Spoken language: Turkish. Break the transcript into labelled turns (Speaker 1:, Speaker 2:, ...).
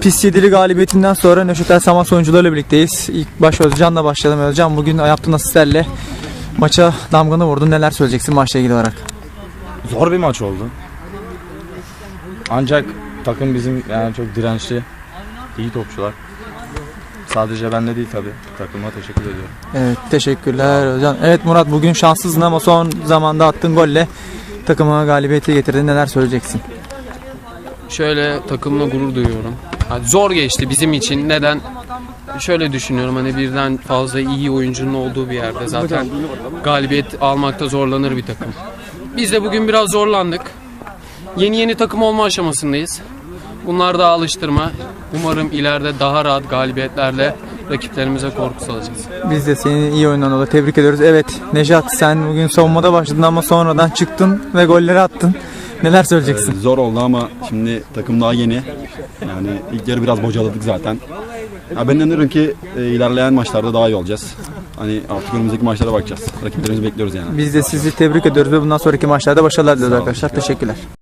Speaker 1: Pis yedili galibiyetinden sonra Nöşetel Samat oyuncularıyla birlikteyiz. İlk baş Özcan'la başlayalım. Özcan, bugün yaptığın asistlerle maça damganı vurdun. Neler söyleyeceksin maçla ilgili olarak?
Speaker 2: Zor bir maç oldu. Ancak takım bizim yani çok dirençli, iyi topçular. Sadece ben de değil tabii. Takıma teşekkür ediyorum.
Speaker 1: Evet, teşekkürler Özcan. Evet Murat, bugün şanssızdın ama son zamanda attığın golle takıma galibiyeti getirdin. Neler söyleyeceksin?
Speaker 3: Şöyle, takımla gurur duyuyorum. Yani zor geçti bizim için. Neden? Şöyle düşünüyorum, hani birden fazla iyi oyuncunun olduğu bir yerde zaten galibiyet almakta zorlanır bir takım. Biz de bugün biraz zorlandık. Yeni takım olma aşamasındayız. Bunlar da alıştırma. Umarım ileride daha rahat galibiyetlerle rakiplerimize korku salacağız.
Speaker 1: Biz de senin iyi oyundan dolayı tebrik ediyoruz. Evet Nejat, sen bugün savunmada başladın ama sonradan çıktın ve golleri attın. Neler söyleyeceksin?
Speaker 4: Zor oldu ama şimdi takım daha yeni. Yani ilk yarı biraz bocaladık zaten. Ya ben inanıyorum ki ilerleyen maçlarda daha iyi olacağız. Hani artık önümüzdeki maçlara bakacağız. Rakiplerimizi bekliyoruz yani.
Speaker 1: Biz de sizi tebrik ediyoruz ve bundan sonraki maçlarda başarılar diliyoruz arkadaşlar. Teşekkürler.